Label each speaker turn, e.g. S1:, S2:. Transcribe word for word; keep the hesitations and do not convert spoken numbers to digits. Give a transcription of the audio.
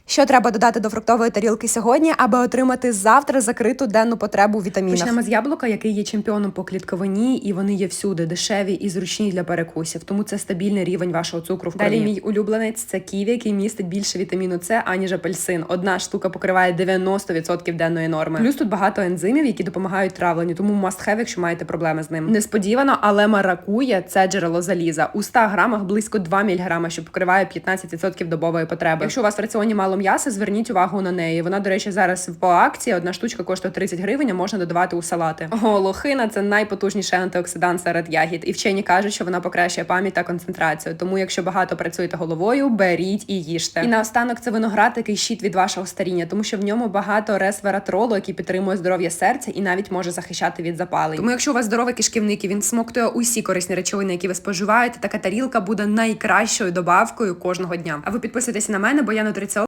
S1: Що треба додати до фруктової тарілки сьогодні, аби отримати завтра закриту денну потребу в вітамінах?
S2: Почнемо з яблука, який є чемпіоном по клітковині, і вони є всюди, дешеві і зручні для перекусів. Тому це стабільний рівень вашого цукру в крові. Далі мій улюбленець – це ківі, який містить більше вітаміну С, аніж апельсин. Одна штука покриває дев'яносто відсотків денної норми. Плюс тут багато ензимів, які допомагають травленню, тому must have, якщо маєте проблеми з ним. Несподівано, але маракуя – це джерело заліза. У ста грамах близько два міліграма, що покриває п'ятнадцять відсотків добової потреби. Якщо у вас в раціоні мало м'яса, зверніть увагу на неї. Вона, до речі, зараз по акції. Одна штучка коштує тридцять гривень, а можна додавати у салати. О, лохина – це найпотужніший антиоксидант серед ягід. І вчені кажуть, що вона покращує пам'ять та концентрацію. Тому, якщо багато працюєте головою, беріть і їжте. І наостанок це виноград, який щит від вашого старіння, тому що в ньому багато ресвератролу, який підтримує здоров'я серця і навіть може захищати від запалень. Тому, якщо у вас здоровий кишківник і він смоктує усі корисні речовини, які ви споживаєте, така тарілка буде найкращою добавкою кожного дня. А ви підписуйтесь на мене, бо я нутриціолог.